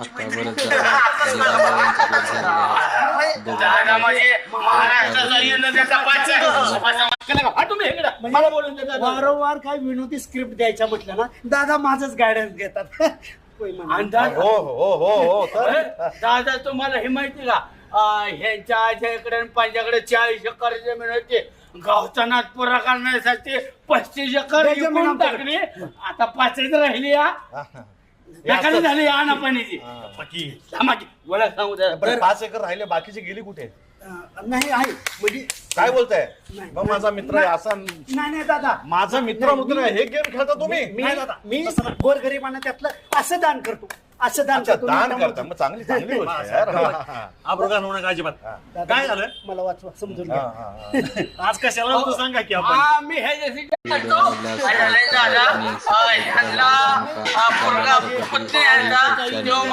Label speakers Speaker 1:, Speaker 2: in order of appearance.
Speaker 1: आता बरंच दादा म्हणजे महाराष्ट्राचा युनोचा पाच आहे. तुम्ही इकडं मला बोलून देता.
Speaker 2: वारंवार काय विनोदी स्क्रिप्ट द्यायच्या म्हटलं ना दादा माझंच गायडन्स घेतात.
Speaker 1: अंदाज
Speaker 3: हो हो हो हो तर
Speaker 1: दादा तुम्हाला हे माहिती का ह्यांच्या आज्याकडे आणि पंजाकडे 40 एकर जमीन होती. गावचा नाद पुरा करण्यासाठी 35 एकर विकून टाकली. आता 5च राहिली. एखादी झाली आणा पाण्याची ओळख सांगू द्या.
Speaker 3: 5 एकर राहिले बाकीचे गेली कुठे?
Speaker 2: नाही आहे म्हणजे
Speaker 3: काय बोलताय?
Speaker 2: नाही.
Speaker 3: मग माझा मित्र आहे असा
Speaker 2: नाही दादा
Speaker 3: माझा मित्र आहे हे गेम खेळता तुम्ही?
Speaker 2: मी गोरगरिबांना त्यातलं असं दान करतो असं दान
Speaker 3: अच्छा
Speaker 2: करतो.
Speaker 3: दान करता मग चांगली चांगली गोष्ट आहे यार.
Speaker 4: अब्रोगान होणं अजिबात.
Speaker 2: दादा,
Speaker 4: काय झालं?
Speaker 2: मला वाचवा समजून
Speaker 3: हा,
Speaker 2: घ्या.
Speaker 3: हा, हा.
Speaker 4: आज कशाला होतं सांगा की आपण.
Speaker 1: मी ह्याच्यासाठी करतो. दादा ह्यांना पोरगा पुतणी ह्यांना